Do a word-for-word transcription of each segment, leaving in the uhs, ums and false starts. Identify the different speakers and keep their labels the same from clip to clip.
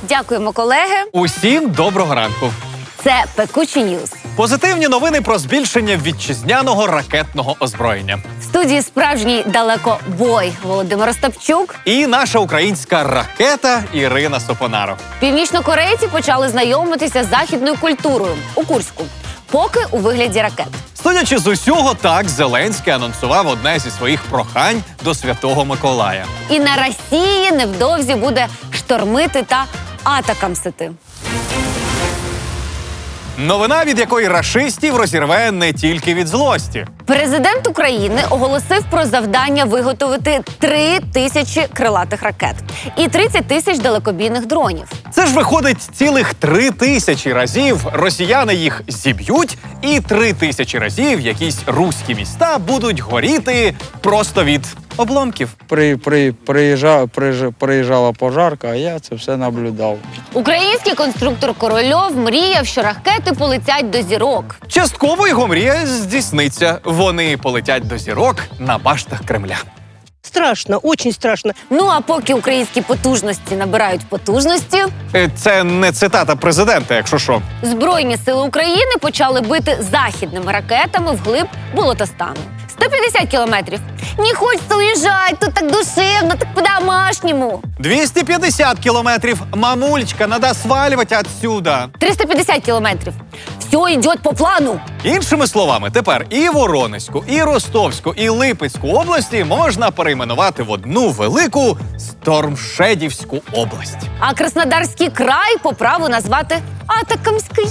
Speaker 1: Дякуємо, колеги.
Speaker 2: Усім доброго ранку.
Speaker 1: Це Пекучі Ньюз.
Speaker 2: Позитивні новини про збільшення вітчизняного ракетного озброєння.
Speaker 1: В студії справжній далекобой Володимир Остапчук.
Speaker 2: І наша українська ракета Ірина Сопонаро.
Speaker 1: Північнокорейці почали знайомитися з західною культурою у Курську. Поки у вигляді ракет.
Speaker 2: Судячи з усього, так Зеленський анонсував одне зі своїх прохань до Святого Миколая.
Speaker 1: І на Росії невдовзі буде штормити та атакамсити.
Speaker 2: Новина, від якої рашистів розірве не тільки від злості.
Speaker 1: Президент України оголосив про завдання виготовити три тисячі крилатих ракет і тридцять тисяч далекобійних дронів.
Speaker 2: Це ж виходить цілих три тисячі разів росіяни їх зіб'ють, і три тисячі разів якісь руські міста будуть горіти просто від обломків.
Speaker 3: При, при, приїжджала, приїжджала, приїжджала пожарка, а я це все наблюдав.
Speaker 1: Український конструктор Корольов мріяв, що ракети полетять до зірок.
Speaker 2: Частково його мрія здійсниться. Вони полетять до зірок на баштах Кремля.
Speaker 4: Страшно, очень страшно.
Speaker 1: Ну а поки українські потужності набирають потужності,
Speaker 2: Е, Це не цитата президента, якщо що.
Speaker 1: Збройні сили України почали бити західними ракетами вглиб Болотостану. сто п'ятдесят кілометрів. Не хочеться уїжджати, тут так душевно, так по-домашньому.
Speaker 2: двісті п'ятдесят кілометрів. Мамулечка, надо свалювати отсюда.
Speaker 1: триста п'ятдесят кілометрів. Все йде по плану.
Speaker 2: Іншими словами, тепер і Воронезьку, і Ростовську, і Липецьку області можна перейменувати в одну велику Стормшедівську область.
Speaker 1: А Краснодарський край по праву назвати Атакамський.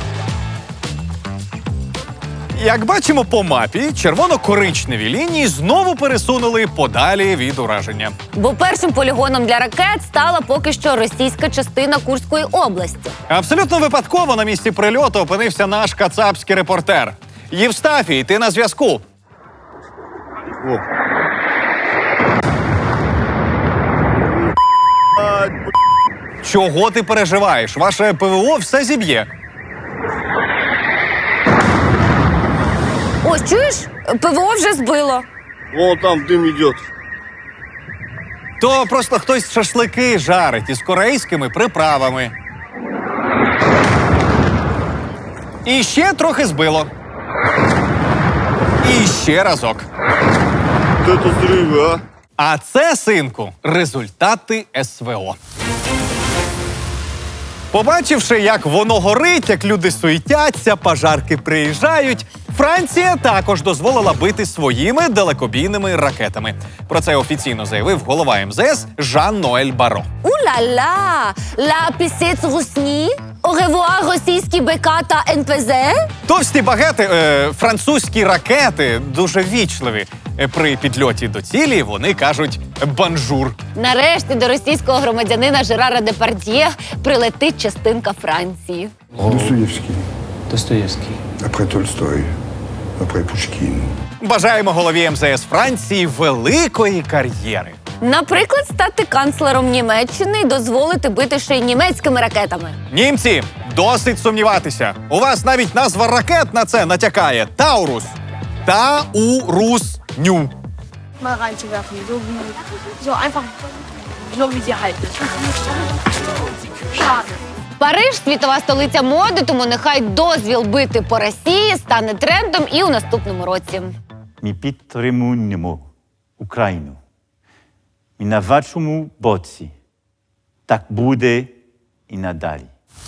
Speaker 2: Як бачимо по мапі, червоно-коричневі лінії знову пересунули подалі від ураження.
Speaker 1: Бо першим полігоном для ракет стала поки що російська частина Курської області.
Speaker 2: Абсолютно випадково на місці прильоту опинився наш кацапський репортер. Євстафій, ти на зв'язку.
Speaker 5: О.
Speaker 2: Чого ти переживаєш? Ваше ПВО все зіб'є.
Speaker 1: Ось, чуєш? ПВО вже збило.
Speaker 5: Вон там дым идет.
Speaker 2: То просто хтось шашлики жарить із корейськими приправами. І ще трохи збило. І ще разок.
Speaker 5: Вот это взрывы, а?
Speaker 2: А це, синку, результати ес ве о. Побачивши, як воно горить, як люди суетяться, пожарки приїжджають, Франція також дозволила бити своїми далекобійними ракетами. Про це офіційно заявив голова ем зе ес Жан-Ноель Баро.
Speaker 1: У-ля-ля! Ла пісець русні? Оревуар російські БК та ен пе зет?
Speaker 2: Товсті багети, е, французькі ракети дуже вічливі. Е, При підльоті до цілі вони кажуть «бонжур».
Speaker 1: Нарешті до російського громадянина Жерара Депардьє прилетить частинка Франції.
Speaker 6: Достоевский,
Speaker 7: Достоєвський.
Speaker 6: après Толстой, après Пушкин.
Speaker 2: Бажаємо голові ем зе ес Франції великої кар'єри.
Speaker 1: Наприклад, стати канцлером Німеччини і дозволити бити ще й німецькими ракетами.
Speaker 2: Німці, досить сумніватися. У вас навіть назва ракет на це натякає. Таурус. Та-у-рус-ню.
Speaker 8: mal reinzuwerfen, so wie, so einfach, so wie sie halt ist. Schade.
Speaker 1: Париж – світова столиця моди, тому нехай дозвіл бити по Росії стане трендом і у наступному році.
Speaker 7: Ми підтримуємо Україну. Ми на вашому боці. Так буде і надалі.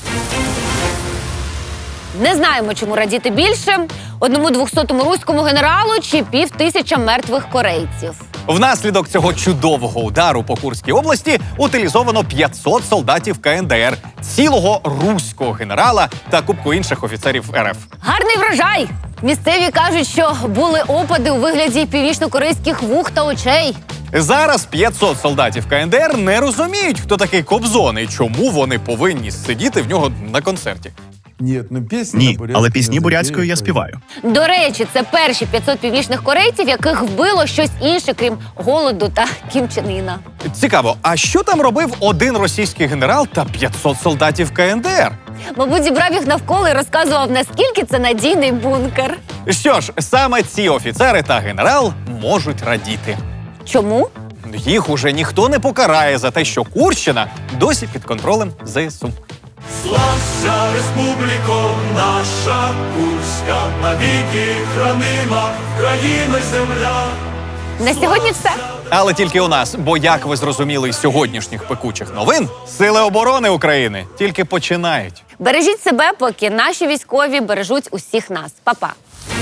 Speaker 1: Не знаємо, чому радіти більше – одному двохсотому руському генералу чи пів тисяча мертвих корейців.
Speaker 2: Внаслідок цього чудового удару по Курській області утилізовано п'ятсот солдатів ка ен де ер, цілого руського генерала та купку інших офіцерів ер еф.
Speaker 1: Гарний врожай! Місцеві кажуть, що були опади у вигляді північно-корейських вух та очей.
Speaker 2: Зараз п'ятсот солдатів ка ен де ер не розуміють, хто такий Кобзон і чому вони повинні сидіти в нього на концерті.
Speaker 6: Ні, ну пісні,
Speaker 9: Ні, але пісні бурятською я співаю.
Speaker 1: До речі, це перші п'ятсот північних корейців, яких вбило щось інше, крім голоду та Кім Чен Іна.
Speaker 2: Цікаво, а що там робив один російський генерал та п'ятсот солдатів ка ен де ер?
Speaker 1: Мабуть, зібрав їх навколо і розказував, наскільки це надійний бункер.
Speaker 2: Що ж, саме ці офіцери та генерал можуть радіти.
Speaker 1: Чому?
Speaker 2: Їх уже ніхто не покарає за те, що Курщина досі під контролем ЗСУ.
Speaker 10: Слався республіко, наша Курська, навіки хранима, країна й земля.
Speaker 1: На сьогодні все.
Speaker 2: Але тільки у нас, бо, як ви зрозуміли із сьогоднішніх пекучих новин, Сили оборони України тільки починають.
Speaker 1: Бережіть себе, поки наші військові бережуть усіх нас. Па-па.